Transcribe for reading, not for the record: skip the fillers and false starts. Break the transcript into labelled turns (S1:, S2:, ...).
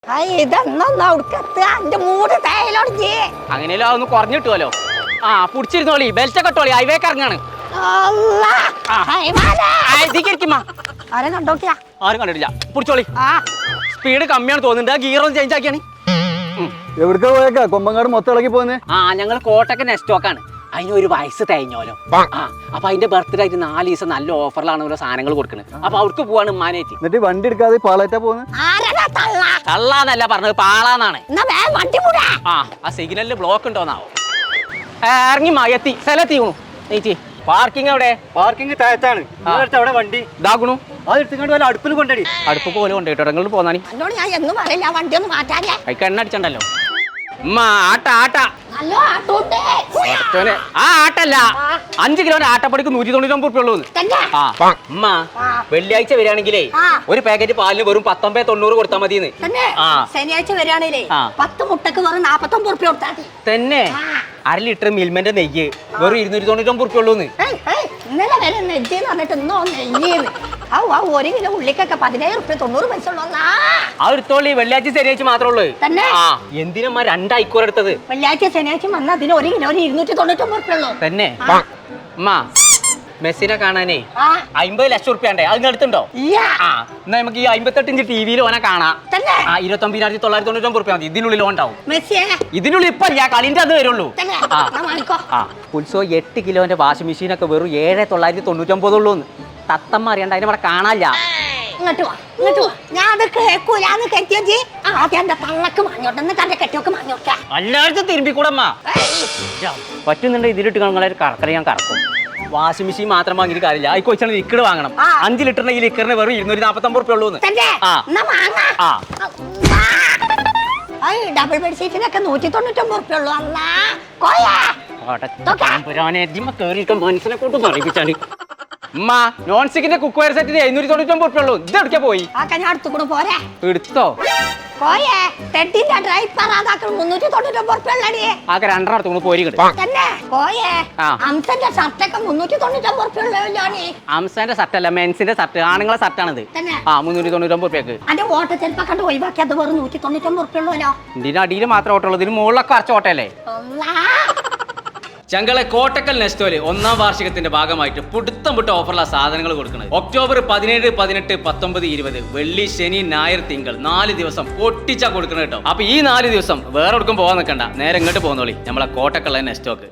S1: അങ്ങനെയല്ലോ ഒന്ന് കുറഞ്ഞിട്ടുമല്ലോ. ആ പുടിച്ചിരുന്നോളി, ബെൽറ്റ് ഒക്കെ ഇട്ടോളി, ഹൈവേക്ക് ഇറങ്ങാണ്. ആരും കണ്ടിട്ടില്ല. പുടിച്ചോളി. സ്പീഡ് കമ്മിയാണ് തോന്നുന്നുണ്ട്. ഗിയർ ഒന്ന് ചേഞ്ച് ആക്കിയാണ്.
S2: എവിടേക്കാ പോയേക്കാ? കൊമ്പങ്കാട് മൊത്തം ഇളകി പോന്നെ.
S1: ഞങ്ങൾ കോട്ടയ്ക്ക് നെസ്റ്റോക്കാണ്. അതിനൊരു വയസ്സ് തേഞ്ഞോലോ. അപ്പൊ അതിന്റെ ബർത്ത്ഡേ ആയിട്ട് 4 ദിവസം നല്ല ഓഫറിലാണ് ഓരോ സാധനങ്ങൾ കൊടുക്കുന്നത്. അപ്പൊ അവർക്ക് പോവാണ് ഉമ്മാനേറ്റ്.
S2: എന്നിട്ട് വണ്ടി എടുക്കാതെ പാളേറ്റാ പോകുന്നത്.
S1: തള്ളാന്നല്ല പറഞ്ഞത്, പാളാന്നാണ്. ആ സിഗ്നലില് ബ്ലോക്ക് ഉണ്ടോന്നാവോ. ഇറങ്ങി എത്തി സ്ഥലത്തി വീണു. നീച്ചി പാർക്കിംഗ് എവിടെ?
S2: പാർക്കിംഗ് താഴത്താണ്. അവിടെ വണ്ടി
S1: ഇതാക്കണു.
S2: അത് എടുത്തുകൊണ്ട് വല്ല അടുപ്പിൽ കൊണ്ടടി.
S1: അടുപ്പ് പോലെ കൊണ്ടുപോയിട്ടോ. നിങ്ങൾ പോന്നാണി കൈക്ക് എണ്ണ അടിച്ചണ്ടല്ലോ. ഉമ്മ ആട്ട ആട്ട ആ ആട്ടല്ല, 5 കിലോന്റെ ആട്ടപ്പടിക്ക് 199 റുപ്യ ഉള്ളൂ. ഉമ്മ വെള്ളിയാഴ്ച വരികയാണെങ്കിലേ ഒരു പാക്കറ്റ് പാലിന് വെറും 19.90 കൊടുത്താൽ മതി.
S3: ശനിയാഴ്ച വരികയാണേലേ 10 മുട്ടക്ക് വെറും 49 റുപ്യ കൊടുത്താൽ മതി.
S1: തന്നെ 1/2 ലിറ്റർ മിൽമന്റെ നെയ്യ് വെറും 299 റുപ്യ ഉള്ളൂന്ന്.
S3: ഇന്നലെ വരെ നെജ്ജെന്ന് പറഞ്ഞിട്ട് ഇന്നോ നെയ്യെന്ന്. 1 കിലോ ഉള്ളിക്കൊക്കെ 17 റുപ്യ 90 പൈസ ഉള്ളൂ.
S1: ആ എടുത്തോളി. വെള്ളിയാഴ്ച ശനിയാഴ്ച മാത്രമേ ഉള്ളൂ. എന്തിനമ്മ 2 ഐക്കൂർ എടുത്തത്?
S3: വെള്ളിയാഴ്ച ശനിയാഴ്ച വന്നാൽ അതിന് 1 കിലോ 299 റുപ്യ ഉള്ളൂ.
S1: തന്നെ അമ്മ മെസ്സിനെ കാണാനേ 50 ലക്ഷം റുപ്യ ഉണ്ടേ. അത് എടുത്തുണ്ടോ? എന്നാ നമുക്ക് ഈ 58 ഇഞ്ച് ടിവിയിൽ ഓനെ കാണാം. 29,999 റുപ്യ മതി. ഇതിനുള്ളിൽ ഓണ്ടാവും. ഇതിനുള്ളിൽ ഇപ്പൊ കളിന്റെ അത് വരുള്ളൂ. ഉത്സവം 8 കിലോന്റെ വാഷിംഗ് മെഷീനൊക്കെ വെറും 7,999 ഉള്ളൂ. തത്തമ്മ അറിയണ്ട, അതിനെ ഇവിടെ കാണാനില്ല.
S3: ഇങ്ങോട്ട് വാ, ഇങ്ങോട്ട് വാ. ഞാൻ അത് കേൾക്കൂലാന്ന് കെട്ടിയോജി. ആദ്യം എന്റെ തള്ളക്ക് മാഞ്ഞോട്ടെ, തന്റെ കെട്ടിയൊക്കെ മാഞ്ഞോട്ടെ.
S1: എല്ലായിടത്തും തിരുമ്പിക്കൂടമ്മ പറ്റുന്നുണ്ട്. ഇതിലിട്ട് നിങ്ങളെ കറക്കറ ഞാൻ കറക്കും. വാഷിംഗ് മെഷീൻ മാത്രം വാങ്ങിയിട്ട് കാര്യമില്ല. അത് കൊച്ചാണ് ലിക്വിഡ് വാങ്ങണം. 5 ലിറ്ററിന്റെ ഈ ലിക്കറിന് വെറും 249 റുപ്യ ഉള്ളൂ.
S3: ഡബിൾ ബെഡ്ഷീറ്റിനൊക്കെ 199 റുപ്യ ഉള്ളൂ.
S1: മനസ്സിനെ കൊണ്ട് പറയിപ്പിച്ചാണ്. ഉമ്മ നോൺ സ്റ്റിക്കിന്റെ കുക്ക് വെയർ സെറ്റിന് 799 റുപ്യ ഉള്ളൂ. ഇത് എടുക്കാൻ പോയി.
S3: ഞാൻ അടുത്തുകൂടെ പോരെ.
S1: എടുത്തോ?
S3: പോയേ. ടെഡിന്റെ ഡ്രൈപ്പർ അതാക്കൾ 399 റുപ്യ ഉള്ളടി.
S1: ആകെ 2 അടുത്തുകൂടെ പോയി
S3: തന്നെ. പോയേ. അംസന്റെ ഷർട്ടൊക്കെ 399 റുപ്യ ഉള്ളല്ലോ.
S1: അംസന്റെ ഷർട്ട് അല്ല, മെൻസിന്റെ ഷർട്ട്, ആണുങ്ങളെ ഷർട്ടാണിത്. 399 റുപ്യക്ക്.
S3: അതിന്റെ ഓട്ട ചെലപ്പോ കണ്ട് ഒഴിവാക്കി അത് വെറും 199 റുപ്യ ഉള്ളല്ലോ.
S1: ഇതിന്റെ അടിയിൽ മാത്രം ഓട്ടമുള്ളൂ. ഇതിന് മുകളിലൊക്കെ അറച്ച ഓട്ടല്ലേ. ചങ്കളെ കോട്ടക്കൽ നെസ്റ്റോല് 1ാം വാർഷികത്തിന്റെ ഭാഗമായിട്ട് പുടുത്തം വിട്ട ഓഫറുള്ള സാധനങ്ങൾ കൊടുക്കുന്നത്. ഒക്ടോബർ 17, 18, 19, 20 വെള്ളി, ശനി, ഞായർ, തിങ്കൾ 4 ദിവസം പൊട്ടിച്ചാ കൊടുക്കണം കേട്ടോ. അപ്പൊ ഈ 4 ദിവസം വേറെ എവിടേക്കും പോകാൻ നിൽക്കണ്ട, നേരെ ഇങ്ങോട്ട് പോകുന്നോളി, നമ്മളെ കോട്ടക്കൽ നെസ്റ്റോക്ക്.